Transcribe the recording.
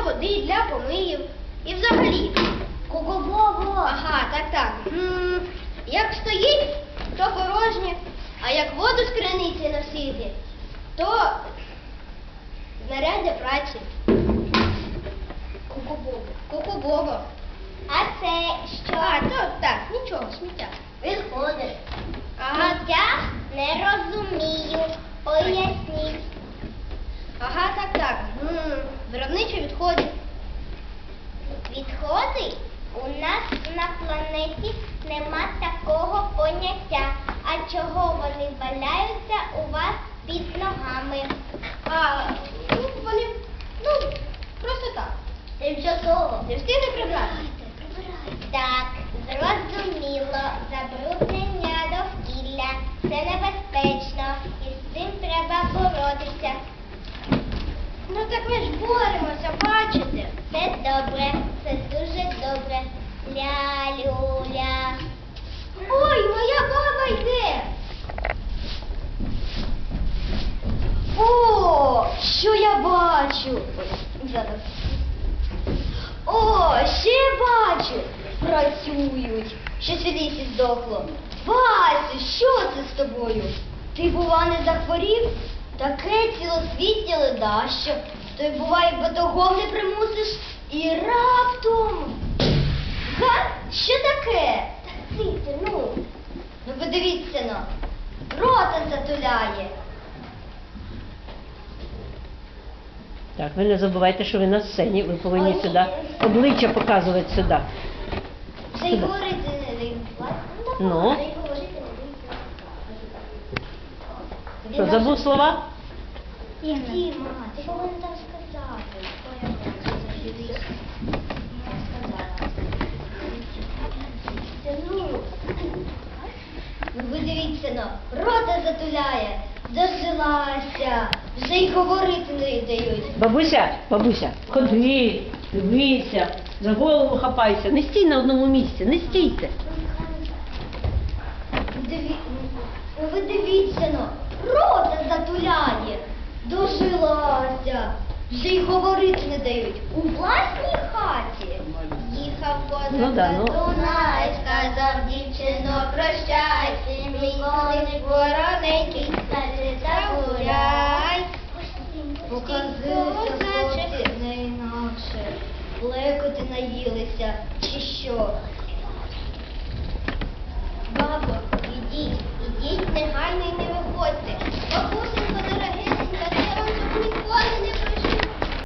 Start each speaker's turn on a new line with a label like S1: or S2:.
S1: води, для помиїв і взагалі.
S2: Ого-го!
S1: Ага, так. Як стоїть, то порожнє, а як воду з криниці носити, то знаряддя праці. Ку-ку-бобо.
S2: А це що?
S1: А, то так, нічого, сміття.
S2: Виходиш.
S1: Ага.
S2: Я не розумію. Поясніть.
S1: Ага, так. Виробничі відходи.
S2: Відходи? У нас на планеті нема такого поняття. А чого вони валяються у вас під ногами?
S1: Вони, просто так.
S2: Тимчасово.
S1: Не встигли прибрати.
S2: Так, зрозуміло. Забруднення довкілля. Це небезпечно. І з цим треба боротися.
S1: Ну так ми ж боремося, бачите?
S2: Це добре. Це дуже добре. Ля-люля.
S1: Ой, моя баба йде. О, що я бачу? Ой, зараз. О, ще бачу. Працюють. Щось у лісі здохло. Васю, що це з тобою? Ти, бува, не захворів? Таке цілосвітнє ледащо. То й буває, батогом не примусиш. І раптом. Га? Що таке? Та ците, ну. Ну подивіться на. Рота затуляє.
S3: Так, ви не забувайте, що ви на сцені, ви повинні
S1: Ой,
S3: сюди обличчя показувати сюди.
S1: Вже й
S3: Сюди.
S1: говорити не дають.
S3: Ну?
S1: Вже й говорити не дають.
S3: Що, забув слова?
S1: Діма, ти повинен там сказати. Ой, я бачу, заживись. Ну ви дивіться, ну, рота затуляє, дожилася, вже й говорити не дають.
S3: Бабуся, ходи, дивися, за голову хапайся, не стій на одному місці, не стійте.
S1: Ну ви дивіться, ну, рота затуляє, дожилася, вже й говорити не дають. У власній хаті. Їхав
S3: Ну да, ну.
S1: Дунай, сказав дівчино, прощай, мій коник вороненький, не загуляй. Показуйся, хлопці, не інакше. Плекоти наїлися, чи що?